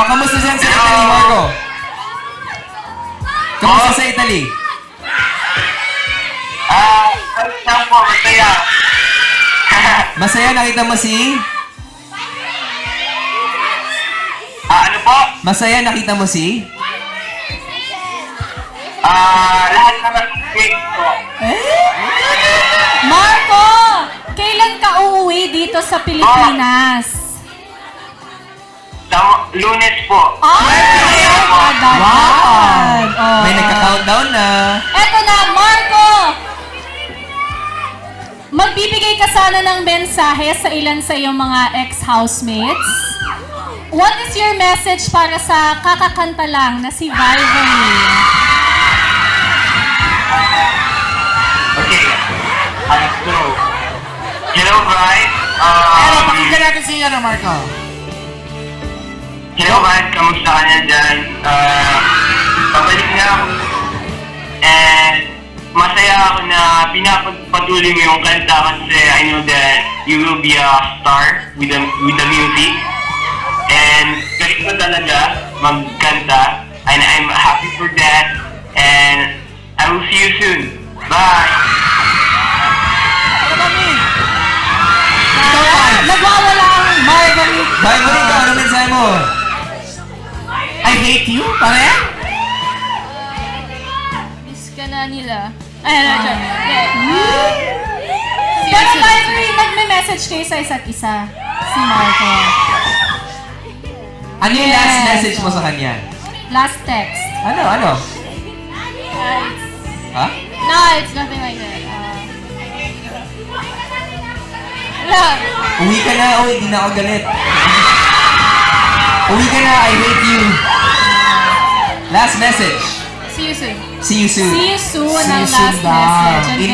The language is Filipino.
kamusta dyan sa Italy, Marco? Kamusta sa Italy? Saan po, masaya. Masaya, nakita mo si? Ano po? Masaya, nakita mo si? Lahat naman great po. Marco! Kailan ka uuwi dito sa Pilipinas? Lunes po. Ay! Agad-agad. Oh. May nagka-countdown na. Eto na, Marco! Magbibigay ka sana ng mensahe sa ilan sa iyong mga ex-housemates. What is your message para sa kakakanta lang na si Vivian? Okay. So, hello guys. Pakinggan natin si Marco. Hello guys, kamusta ka na dyan? Pabalik na ako. And masaya ako na pinapatuloy mo yung kanta kasi I know that you will be a star with the music. And galing mo talaga magkanta. And I'm happy for that. And I will see you soon. Bye! Nagwawala ang Marguerite. Marco, ano mensahe mo? I hate you, pare? Miss ka na nila. Ay, ano, Pero Marguerite, nagme-message kayo sa isa't isa. Si Marco. Ano yung last message mo sa kanya? Last text. Ano? Ha? No, it's nothing like that. Love. Uwi ka na, hindi na ako galit. Uwi ka na, I hate you. Last message. See you soon. See you soon. See you soon See ang you soon last daw. message. And